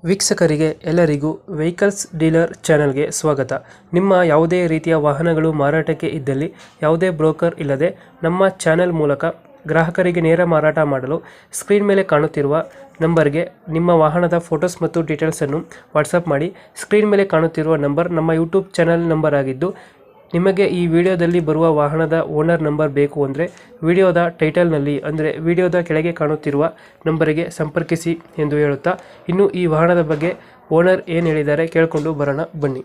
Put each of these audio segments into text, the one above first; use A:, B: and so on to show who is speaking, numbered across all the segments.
A: ವೀಕ್ಷಕರಿಗೆ ಎಲ್ಲರಿಗೂ vehicles dealer ಚಾನೆಲ್ಗೆ ಸ್ವಾಗತ. ನಿಮ್ಮ ಯಾವುದೇ ರೀತಿಯ ವಾಹನಗಳು ಮಾರಾಟಕ್ಕೆ ಇದ್ದಲ್ಲಿ ಯಾವುದೇ ಬ್ರೋಕರ್ ಇಲ್ಲದೆ ನಮ್ಮ ಚಾನೆಲ್ ಮೂಲಕ ಗ್ರಾಹಕರಿಗೆ ನೇರ ಮಾರಾಟ ಮಾಡಲು ಸ್ಕ್ರೀನ್ ಮೇಲೆ ಕಾಣುತ್ತಿರುವ ನಂಬರ್ಗೆ ನಿಮ್ಮ ವಾಹನದ ಫೋಟೋಸ್ ಮತ್ತು ಡೀಟೇಲ್ಸನ್ನು ವಾಟ್ಸಪ್ ಮಾಡಿ. ಸ್ಕ್ರೀನ್ ಮೇಲೆ ಕಾಣುತ್ತಿರುವ ನಂಬರ್ ನಮ್ಮ ಯೂಟ್ಯೂಬ್ ಚಾನೆಲ್ ನಂಬರ್ ಆಗಿದ್ದು, ನಿಮಗೆ ಈ ವಿಡಿಯೋದಲ್ಲಿ ಬರುವ ವಾಹನದ ಓನರ್ ನಂಬರ್ ಬೇಕು ಅಂದರೆ ವಿಡಿಯೋದ ಟೈಟಲ್ನಲ್ಲಿ ಅಂದರೆ ವಿಡಿಯೋದ ಕೆಳಗೆ ಕಾಣುತ್ತಿರುವ ನಂಬರಿಗೆ ಸಂಪರ್ಕಿಸಿ ಎಂದು ಹೇಳುತ್ತಾ, ಇನ್ನು ಈ ವಾಹನದ ಬಗ್ಗೆ ಓನರ್ ಏನು ಹೇಳಿದ್ದಾರೆ ಕೇಳಿಕೊಂಡು ಬರೋಣ ಬನ್ನಿ.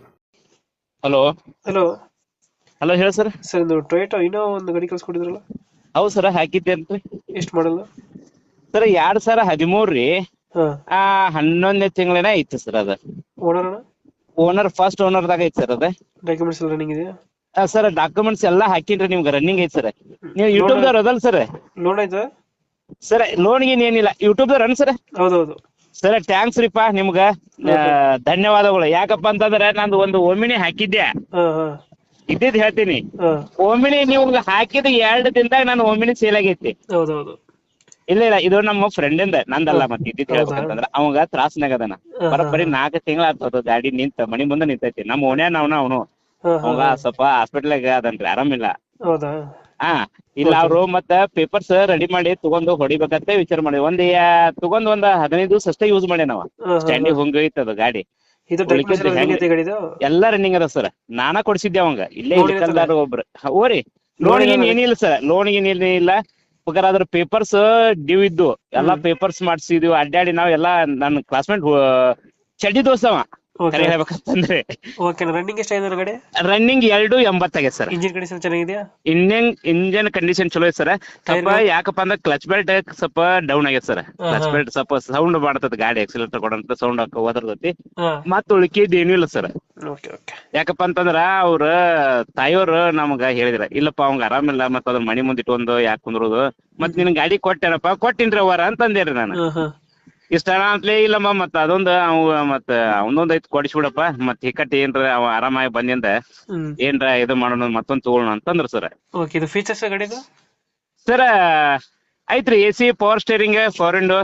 B: ಹಲೋ
A: ಹಲೋ
B: ಹಲೋ ಹೇಳಿ ಸರ್.
A: ಸರ್, ಇದು ಟೊಯೋಟಾ ಇನ್ನೋ ಒಂದು ಗಾಡಿ ಕಳ್ಸ್ಕೊಟ್ಟಿದ್ರಲ್ಲ,
B: ಹೌದು ಸರ್, ಹಾಕಿದ್ದೇನ್ರಿ
A: ಎಷ್ಟು ಮಾಡಲ್ಲ?
B: ಸರ್ 2013 ರೀ.
A: ಹಾಂ.
B: 11ನೇ ತಿಂಗಳಿನ ಐತಿ ಸರ್. ಅದ
A: ಓನರ್
B: ಓನರ್ ಫಸ್ಟ್ ಓನರ್ದಾಗ ಐತಿ ಸರ್. ಅದ
A: ಡಾಕ್ಯುಮೆಂಟ್ಸ್ ಎಲ್ಲ ರನ್ನಿಂಗ್ ಇದೆಯಾ?
B: ಸರ್ ಡಾಕ್ಯುಮೆಂಟ್ಸ್ ಎಲ್ಲಾ ಹಾಕಿನ್ರಿ, ನಿಮ್ಗೆ ರನ್ನಿಂಗ್ ಐತಿ ಸರ್. ನೀವು ಯೂಟ್ಯೂಬ್ ದವ್ರ ಅದಲ್ ಸರ್?
A: ಲೋನ್ ಆಯ್ತಾ
B: ಸರ್ ಲೋನ್ ಗೀನ್ ಏನಿಲ್ಲ, ಯೂಟ್ಯೂಬ್ ದವ್ರ ಸರ್?
A: ಹೌದೌದು.
B: ಸರ್ ಥ್ಯಾಂಕ್ಸ್ ರೀಪಾ ನಿಮ್ಗ, ಧನ್ಯವಾದಗಳು. ಯಾಕಪ್ಪ ಅಂತಂದ್ರೆ ನಂದು ಒಂದು ಒಮಿನಿ ಹಾಕಿದ್ದೆ,
A: ಹಾಂ ಹಾಂ
B: ಇದ್ದಿದ್ ಹೇಳ್ತೀನಿ.
A: ಹಾಂ.
B: ಒಮಿನಿ ನೀವು ಹಾಕಿದ 2 ದಿನದಾಗ ನಾನು ಒಮಿನಿ ಸೇಲ್ ಆಗೈತಿ.
A: ಹೌದೌದು.
B: ಇಲ್ಲ ಇಲ್ಲ, ಇದು ನಮ್ಮ ಫ್ರೆಂಡ್ ಇಂದ, ನಂದಲ್ಲ. ಮತ್ತೆ ಇದ್ದಿದ್ ಹೇಳ್ಬೇಕಂತಂದ್ರ ಅವಂಗ ತ್ರಾಸ್ನಾಗ ಅದನ. ಬರೀ 4 ತಿಂಗಳ ಆಗ್ತದ ಗಾಡಿ ನಿಂತ, ಮನಿ ಮುಂದೆ ನಿಂತೈತಿ. ನಮ್ಮ ಓಣ್ಯಾನ ಅವನು ಅವಂಗ ಸ್ವಲ್ಪ ಹಾಸ್ಪಿಟಲ್ಗ ಅದನ್ರಿ, ಆರಾಮಿಲ್ಲ.
A: ಹೌದಾ?
B: ಹಾ ಇಲ್ಲ, ಅವ್ರು ಮತ್ತ ಪೇಪರ್ಸ್ ರೆಡಿ ಮಾಡಿ ತಗೊಂಡು ಹೊಡಿಬೇಕಂತ ವಿಚಾರ ಮಾಡಿ ತಗೊಂಡ್ 15 ದಿವಸ ಅಷ್ಟೇ ಯೂಸ್ ಮಾಡಿ ನಾವ. ಸ್ಟ್ಯಾಂಡಿಗೆ ಹೋಗೈತದ ಗಾಡಿ.
A: ಇದು ಡಾಕ್ಯುಮೆಂಟ್ಸ್ ಎಲ್ಲ ರನ್ನಿಂಗ್ ಐತೆ ಗಾಡಿದು?
B: ಎಲ್ಲಾ ರನ್ನಿಂಗ್ ಅದ ಸರ್. ನಾನಾ ಕೊಡ್ಸಿದ್ದೆ ಅವಂಗ, ಇಲ್ಲೇ ಇಲ್ಕಲ್ದಾರ ಒಬ್ರು. ಓರಿ ಲೋನ್ ಏನ್ ಏನಿಲ್ಲ ಸರ್, ಲೋನ್ ಏನ್ ಏನಿಲ್ಲ. ಬೇಕಾದ್ರೆ ಅದ್ರ ಪೇಪರ್ಸ್ ಡ್ಯೂ ಇದ್ದು ಎಲ್ಲಾ ಪೇಪರ್ಸ್ ಮಾಡ್ಸಿದ್ವಿ. ಅಡ್ಡಾಡಿ ನಾವ್ ಎಲ್ಲಾ ನನ್ನ ಕ್ಲಾಸ್ಮೇಟ್ ಚಡ್ಡಿ ದೋಸ್ತವ ಕರೆ ಹೇಳ್ಬೇಕಂತಂದ್ರೆ.
A: ಓಕೆ. ರನ್ನಿಂಗ್ ಎಷ್ಟಾಗಿದೆ ಗಾಡಿ?
B: ರನ್ನಿಂಗ್ 280 ಆಗೈತೆ ಸರ್.
A: ಇಂಜಿನ್ ಕಂಡೀಷನ್ ಚೆನ್ನಾಗಿದೆಯಾ?
B: ಇಂಜಿನ್ ಕಂಡೀಷನ್ ಚಲೋ ಐತೆ ಸರ್. ಸ್ವಲ್ಪ ಯಾಕಪ್ಪ ಅಂದ್ರೆ ಕ್ಲಚ್ ಬೆಲ್ಟ್ ಸ್ವಲ್ಪ ಡೌನ್ ಆಗೈತೆ ಸರ್. ಕ್ಲಚ್ ಬೆಲ್ಟ್ ಸ್ವಲ್ಪ ಸೌಂಡ್ ಮಾಡ್ತದ ಗಾಡಿ, ಎಕ್ಸಿಲೇಟರ್ ಕೊಡಂತ ಸೌಂಡ್ ಹೋದರ್ತೈತಿ. ಮತ್ತ ಉಳಿಕೆದ್ ಏನೂ ಇಲ್ಲ ಸರ್. ಯಾಕಪ್ಪ ಅಂತಂದ್ರ ಅವ್ರ ತಾಯಿಯವ್ರು ನಮ್ಗ ಹೇಳಿದ್ರ, ಇಲ್ಲಪ್ಪ ಅವಂಗ ಆರಾಮಿಲ್ಲ, ಮತ್ತ ಅದ್ರ ಮನಿ ಮುಂದ್ ಇಟ್ಕೊಂಡು ಯಾಕೆ ಕುಂದ್ರೋದು, ಮತ್ ನಿನ್ ಗಾಡಿ ಕೊಟ್ಟೇನಪ್ಪ, ಕೊಟ್ಟಿನ್ರಿ ಅವರ ಅಂತಂದೇರಿ ನಾನು. ಇಷ್ಟ ಅಂತಲೇ ಇಲ್ಲಮ್ಮ, ಮತ್ತ ಅದೊಂದು ಮತ್ತ ಅವನೊಂದ್ ಐತ್ ಕೊಡಿಸ್ಬಿಡಪ್ಪ, ಮತ್ ಹಿಕ್ಕಟ್ಟಿ ಏನ್ರ ಅವ ಆರಾಮಾಗಿ ಬಂದಿಂದ ಏನ್ರ ಇದು ಮಾಡೋಣ, ಮತ್ತೊಂದ್ ತಗೊಳ್ಳೋಣ ಅಂತಂದ್ರ ಸರ್.
A: ಇದು ಫೀಚರ್ಸ್ ಗಾಡಿದು
B: ಸರ್ ಐತ್ರಿ, AC, power steering, power window.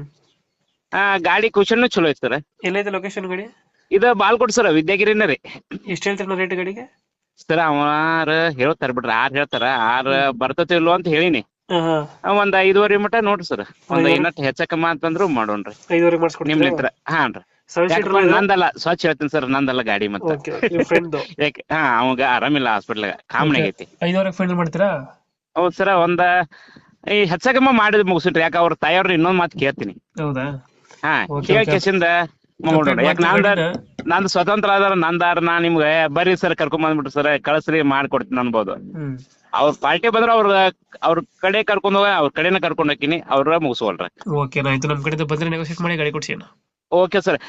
B: ಗಾಡಿ ಕುಶನ್ ಚಲೋ ಐತಿ ಸರ್.
A: ಎಲ್ಲೈತೆ ಲೊಕೇಶನ್ ಗಾಡಿ?
B: ಇದು ಬಾಲ್ಕೋಟ್ ಸರ್, ವಿದ್ಯಾಗಿರಿನ ರೀ.
A: ಎಷ್ಟು ಹೇಳ್ತೀರ ರೇಟ್ ಗಾಡಿಗೆ?
B: ಸರ್ ಅವರ ಹೇಳ್ತಾರ ಬಿಡ್ರಿ, 6 ಹೇಳ್ತಾರ. 6 ಬರ್ತತಿ ಇಲ್ವೋ ಅಂತ ಹೇಳಿನಿ. ಒಂದ್ 5.5 ಮಟ ನೋಡ್ರಿ ಸರ್. ಒಂದ್ ಏನಟ್ ಹೆಚ್ಚಕಮ್ಮ ಅಂತಂದ್ರು ಮಾಡೋಣ್ರಿ.
A: 5.5 ಮಾಡಿಸ್ಕೊಡ್ತೀರಾ?
B: ನಿಮ್ಲಿತ್ರ ಹಾನ್ರಿ. ನಂದಲ್ಲ, ಸ್ವಚ್ಛ ಹೇಳ್ತೀನಿ ಸರ್, ನಂದಲ್ಲ ಗಾಡಿ. ಮತ್ತೆ ಯಾಕೆ ಅವಾಗ ಆರಾಮಿಲ್ಲ, ಹಾಸ್ಪಿಟ್ಲಾಗ ಕಾಮಣಿ ಆಗೈತಿ.
A: 5.5 ಫೈನಲ್ ಮಾಡ್ತೀರಾ?
B: ಹೌದ್ ಸರ್. ಈ ಹೆಚ್ಚಕಮ್ಮ ಮಾಡಿದ್ ಮುಗಿಸ್ರಿ. ಯಾಕ ಅವ್ರ ತಾಯಿಯವ್ರ ಇನ್ನೊಂದ್ ಮಾತು ಕೇಳ್ತೀನಿ.
A: ಹೌದಾ?
B: ಕೇಳ್ಕೇಸಿಂದ ಯಾಕೆ ನಂದು ಸ್ವತಂತ್ರ ಆದಾರ, ನಂದಾರ ನಾ ನಿಮ್ಗೆ ಬರ್ರಿ ಸರ್ ಕರ್ಕೊಂಡ್ ಬಂದ್ಬಿಟ್ರಿ ಸರ್, ಕಳ್ಸ್ರಿ ಮಾಡ್ಕೊಡ್ತೀನಿ ಅನ್ಬೋದು. ಅವ್ರ ಪಾರ್ಟಿ ಬಂದ್ರ ಅವ್ರ ಕಡೆ ಕರ್ಕೊಂಡ್ ಹೋಗ, ಅವ್ರ ಕಡೆನ ಕರ್ಕೊಂಡ್ ಹೋಗ್ತೀನಿ, ಅವ್ರ ಮುಗಿಸ್ಕೊಳ್ರಿ.
A: ಓಕೆ, ಆಯ್ತು. ನಮ್ ಕಡೆ ಬಂದ್ರೆ ನೆಗೋಸಿಯೇಟ್ ಮಾಡಿ ಗಾಡಿ ಕೊಡ್ಸಿ.
B: Okay sir.